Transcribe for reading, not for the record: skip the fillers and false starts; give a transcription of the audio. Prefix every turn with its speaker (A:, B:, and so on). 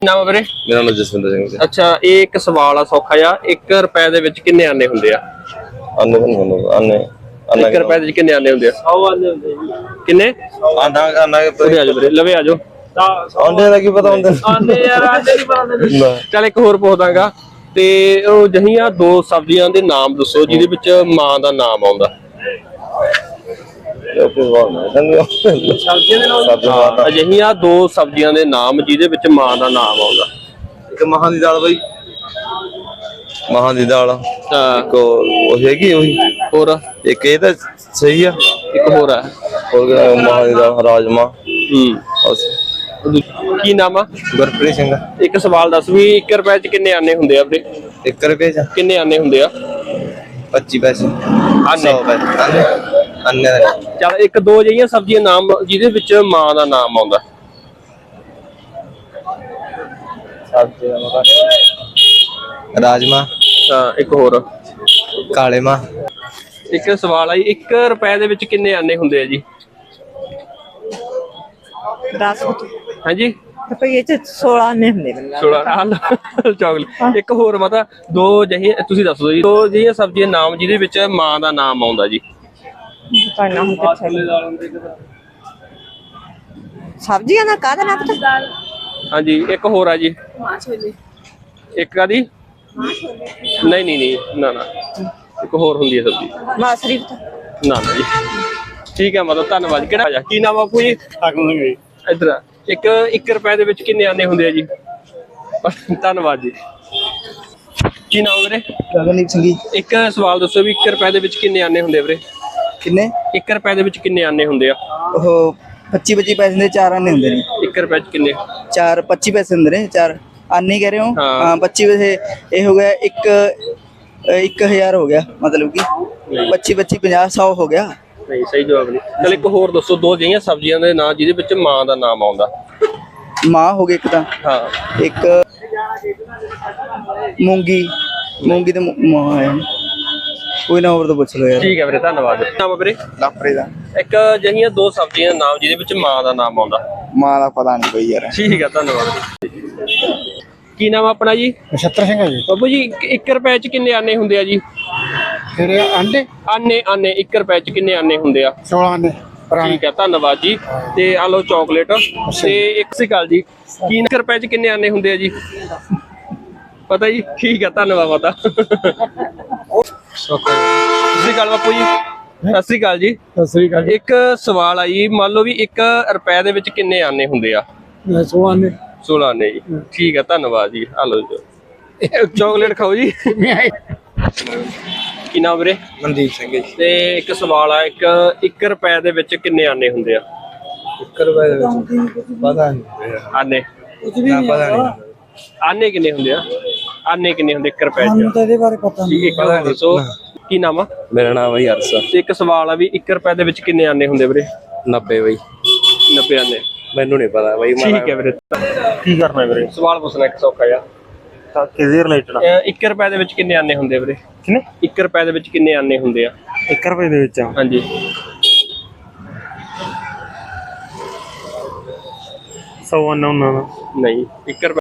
A: ਨਾਮ ਵੀਰੇ?
B: ਮੇਰਾ ਨਾਮ ਜਸਵਿੰਦਰ ਸਿੰਘ ਜੀ।
A: ਅੱਛਾ, ਇਹ ਇੱਕ ਸਵਾਲ ਆ ਸੌਖਾ ਜਿਹਾ। 1 ਰੁਪਏ ਦੇ ਵਿੱਚ ਕਿੰਨੇ ਆਨੇ ਹੁੰਦੇ ਆ?
B: ਆਨੇ ਆਨੇ
A: 1 ਰੁਪਏ ਦੇ ਵਿੱਚ ਕਿੰਨੇ ਆਨੇ ਹੁੰਦੇ ਆ? 100 ਆਨੇ ਹੁੰਦੇ ਜੀ। ਕਿੰਨੇ
B: ਆਨਾ ਆਨਾ
A: ਉਰੇ ਆ ਜਾਓ ਵੀਰੇ, ਲਵੇ ਆ ਜਾਓ।
B: ਆਂਡੇ ਦਾ ਕੀ ਪਤਾ ਹੁੰਦਾ?
A: ਆਨੇ ਯਾਰ, ਆਨੇ ਨਹੀਂ ਪਤਾ। ਚੱਲ ਇੱਕ ਹੋਰ ਪੁੱਛਦਾਗਾ, ਤੇ ਉਹ ਜਹੀਆਂ 2 ਸਬਜ਼ੀਆਂ ਦੇ ਨਾਮ ਦੱਸੋ ਜਿਹਦੇ ਵਿੱਚ ਮਾਂ ਦਾ ਨਾਮ ਆਉਂਦਾ। ਅਜਿਹੀਆਂ 2 ਸਬਜ਼ੀਆਂ ਦੇ ਨਾਮ ਜਿਹਦੇ ਵਿੱਚ ਮਾਂ ਦਾ ਨਾਮ ਆਉਂਦਾ।
B: ਇੱਕ ਮਹਾਂ ਦੀ ਦਾਲ ਬਾਈ, ਮਹਾਂ ਦੀ ਦਾਲ। ਇੱਕ ਉਹ ਹੈਗੀ ਉਹੀ।
A: ਹੋਰ
B: ਇੱਕ ਇਹ ਤਾਂ ਸਹੀ ਆ।
A: ਇੱਕ ਹੋਰ ਆ,
B: ਹੋਰ ਮਹਾਂ ਦੀ ਦਾਲ, ਰਾਜਮਾ।
A: ਕੀ ਨਾਮ ਆ?
B: ਗੁਰਪ੍ਰੀਤ ਸਿੰਘ।
A: ਇੱਕ ਸਵਾਲ ਦੱਸ ਵੀ 1 ਰੁਪਏ ਚ ਕਿੰਨੇ ਆਨੇ ਹੁੰਦੇ ਆ ਵੀਰੇ?
B: 1 ਰੁਪਏ ਚ
A: ਕਿੰਨੇ ਆਨੇ ਹੁੰਦੇ ਆ?
B: 25 ਪੈਸੇ।
A: ਆਨੇ
B: ਆਨੇ
A: ਚੱਲ 1-2 ਜਿਹੀਆਂ ਸਬਜ਼ੀਆਂ ਨਾਮ ਜਿਹਦੇ ਵਿੱਚ ਮਾਂ ਦਾ ਨਾਮ ਆਉਂਦਾ।
B: ਰਾਜਮਾ।
A: ਇੱਕ ਹੋਰ
B: ਕਾਲੇ ਮਾਂ।
A: ਇੱਕ ਸਵਾਲ ਆ ਜੀ, 1 ਰੁਪਏ ਦੇ ਵਿੱਚ ਕਿੰਨੇ ਆਨੇ ਹੁੰਦੇ ਆ ਜੀ?
C: 10
A: ਹਾਂਜੀ
C: ਰੁਪਏ ਚ 16 ਆਨੇ ਹੁੰਦੇ ਨੇ।
A: 16 ਚਾਕਲੇਟ। ਇੱਕ ਹੋਰ ਮਤਾ 2 ਜਿਹੀ ਤੁਸੀਂ ਦੱਸ ਦਿਓ ਜੀ, 2 ਜਿਹੀਆਂ ਸਬਜ਼ੀਆਂ ਨਾਮ ਜਿਹਦੇ ਵਿੱਚ ਮਾਂ ਦਾ ਨਾਮ ਆਉਂਦਾ ਜੀ।
C: ਸਬਜ਼ੀਆਂ ਦਾ ਕਾਹਦਾ ਨਾਮ ਪਤਾ?
A: ਹਾਂਜੀ, ਇੱਕ ਹੋਰ ਆ ਜੀ। ਇੱਕ ਆ ਦੀ ਨਹੀਂ ਨਾ ਇੱਕ ਹੋਰ ਹੁੰਦੀ ਹੈ ਸਬਜ਼ੀ।
C: ਮਾਸਰੀ
A: ਨਾ ਜੀ। ਠੀਕ ਹੈ, ਮਤਲਬ ਧੰਨਵਾਦ। ਕਿਹੜਾ ਕੀ ਨਾਮ ਆ ਕੋਈ? ਇੱਧਰ ਆ। 1 ਰੁਪਏ ਦੇ ਵਿੱਚ ਕਿੰਨੇ ਆਨੇ ਹੁੰਦੇ ਆ ਜੀ? ਧੰਨਵਾਦ ਜੀ। ਕੀ ਨਾਮ ਵੀਰੇ?
D: ਗਗਨਦੀਪ ਸਿੰਘ ਜੀ।
A: ਇੱਕ ਸਵਾਲ ਦੱਸੋ ਵੀ 1 ਰੁਪਏ ਦੇ ਵਿੱਚ ਕਿੰਨੇ ਆਨੇ ਹੁੰਦੇ ਆ ਵੀਰੇ?
D: ਕਿੰਨੇ?
A: 1 ਰੁਪਏ ਦੇ ਵਿੱਚ ਕਿੰਨੇ ਆਨੇ ਹੁੰਦੇ ਆ?
D: ਉਹ 25 ਪੈਸੇ ਦੇ 4 ਆਨੇ ਹੁੰਦੇ ਨੇ।
A: 1 ਰੁਪਏ ਚ ਕਿੰਨੇ?
D: 4 25 ਪੈਸੇ ਹੁੰਦੇ ਨੇ। 4 ਆਨੇ ਕਹਿ ਰਹੇ ਹੋ? ਹਾਂ 25 ਪੈਸੇ। ਇਹ ਹੋ ਗਿਆ 1000 ਹੋ ਗਿਆ, ਮਤਲਬ ਕਿ 25 50 100 ਹੋ ਗਿਆ।
A: ਨਹੀਂ, ਸਹੀ ਜਵਾਬ ਨਹੀਂ। ਚਲ ਇੱਕ ਹੋਰ ਦੱਸੋ 2 ਜਿਹੀਆਂ ਸਬਜ਼ੀਆਂ ਦੇ ਨਾਂ ਜਿਹਦੇ ਵਿੱਚ ਮਾਂ ਦਾ ਨਾਮ ਆਉਂਦਾ।
D: ਮਾਂ ਹੋ ਗਈ ਇੱਕ ਤਾਂ।
A: ਹਾਂ,
D: ਇੱਕ ਮੂੰਗੀ ਤੇ ਮਾਂ ਹੈ। ਕੋਈ ਨਾ ਹੋਰ ਤਾਂ ਪੁੱਛ ਲਓ ਯਾਰ।
A: ਠੀਕ ਹੈ ਵੀਰੇ, ਧੰਨਵਾਦ। ਨਾਮ ਵੀਰੇ?
D: ਲਾਪਰੇ ਦਾ।
A: ਇੱਕ ਜਿਹੀਆਂ 2 ਸਬਜ਼ੀਆਂ ਦੇ ਨਾਮ ਜਿਹਦੇ ਵਿੱਚ ਮਾਂ ਦਾ ਨਾਮ ਆਉਂਦਾ।
D: ਮਾਂ ਦਾ ਪਤਾ ਨਹੀਂ ਬਈ ਯਾਰ।
A: ਠੀਕ ਹੈ, ਧੰਨਵਾਦ। ਕੀ ਨਾਮ ਆਪਣਾ ਜੀ?
D: ਨਛੱਤਰ ਸਿੰਘ ਹੈ ਜੀ।
A: ਬਾਬੂ ਜੀ 1 ਰੁਪਏ ਚ ਕਿੰਨੇ ਆਨੇ ਹੁੰਦੇ ਆ ਜੀ?
D: ਕਿਹੜੇ ਆਂਡੇ?
A: ਆਨੇ 1 ਰੁਪਏ ਚ ਕਿੰਨੇ ਆਨੇ ਹੁੰਦੇ ਆ?
D: 16 ਆਨੇ।
A: ਠੀਕ ਹੈ, ਧੰਨਵਾਦ ਜੀ। ਤੇ ਆ ਲਓ ਚਾਕਲੇਟ। ਤੇ 1 ਸਕਾਲ ਜੀ, ਕੀ 1 ਰੁਪਏ ਚ ਕਿੰਨੇ ਆਨੇ ਹੁੰਦੇ ਆ ਜੀ? ਪਤਾ ਜੀ? ਠੀਕ ਹੈ, ਧੰਨਵਾਦ ਮਾਤਾ। ਸਤਿ ਸ਼੍ਰੀ ਅਕਾਲ ਬਾਪੂ ਜੀ। ਸਤਿ ਸ਼੍ਰੀ ਅਕਾਲ ਜੀ।
D: ਸਤਿ ਸ੍ਰੀ ਅਕਾਲ ਜੀ।
A: ਇੱਕ ਸਵਾਲ ਆ ਜੀ, ਮੰਨ ਲਓ ਵੀ 1 ਰੁਪਏ ਦੇ ਵਿੱਚ ਕਿੰਨੇ ਆਨੇ ਹੁੰਦੇ ਆ?
D: 16 ਆਨੇ।
A: 16 ਆਨੇ ਜੀ। ਠੀਕ ਹੈ, ਧੰਨਵਾਦ ਜੀ। ਆ ਲਓ ਜੀ ਚਾਕਲੇਟ ਖਾਓ ਜੀ। ਕੀ ਨਾਮ ਵੀਰੇ?
B: ਮਨਦੀਪ ਸਿੰਘ ਜੀ।
A: ਤੇ ਇੱਕ ਸਵਾਲ ਆ, 1 ਰੁਪਏ ਦੇ ਵਿੱਚ ਕਿੰਨੇ ਆਨੇ ਹੁੰਦੇ ਆ?
B: 1 ਰੁਪਏ ਦੇ ਵਿੱਚ ਪਤਾ ਨਹੀਂ।
A: ਆਨੇ
B: ਪਤਾ ਨਹੀਂ।
A: ਆਨੇ ਕਿੰਨੇ ਹੁੰਦੇ ਆ? ਆਨੇ ਕਿੰਨੇ ਹੁੰਦੇ 1 ਰੁਪਏ ਚ?
D: ਇਹਦੇ ਬਾਰੇ ਪਤਾ
A: ਠੀਕ ਹੈ, ਇੱਕ ਹੋਰ ਦੱਸੋ। ਕੀ ਨਾਮ ਆ?
B: ਮੇਰਾ ਨਾਮ ਹੈ ਹਰਸ਼।
A: ਤੇ ਇੱਕ ਸਵਾਲ ਆ ਵੀ 1 ਰੁਪਏ ਦੇ ਵਿੱਚ ਕਿੰਨੇ ਆਨੇ ਹੁੰਦੇ ਵੀਰੇ?
B: 90 ਬਈ।
A: 90 ਆਨੇ।
B: ਮੈਨੂੰ ਨਹੀਂ ਪਤਾ ਬਈ।
A: ਠੀਕ ਹੈ ਵੀਰੇ।
E: ਕੀ ਕਰਨਾ ਵੀਰੇ?
A: ਸਵਾਲ ਪੁੱਛਣਾ ਇੱਕ ਸੌਖਾ ਜਿਹਾ।
E: ਤਾਂ ਕਿਹਦੇ ਰਿਲੇਟਡ?
A: 1 ਰੁਪਏ ਦੇ ਵਿੱਚ ਕਿੰਨੇ ਆਨੇ ਹੁੰਦੇ ਵੀਰੇ?
E: ਕਿੰਨੇ?
A: 1 ਰੁਪਏ ਦੇ ਵਿੱਚ ਕਿੰਨੇ ਆਨੇ ਹੁੰਦੇ ਆ?
E: 1 ਰੁਪਏ ਦੇ ਵਿੱਚ?
A: ਹਾਂਜੀ।
E: 100 ਆਨਾ ਉਹਨਾਂ ਦਾ।
A: ਨਹੀਂ, 1 ਰੁਪਏ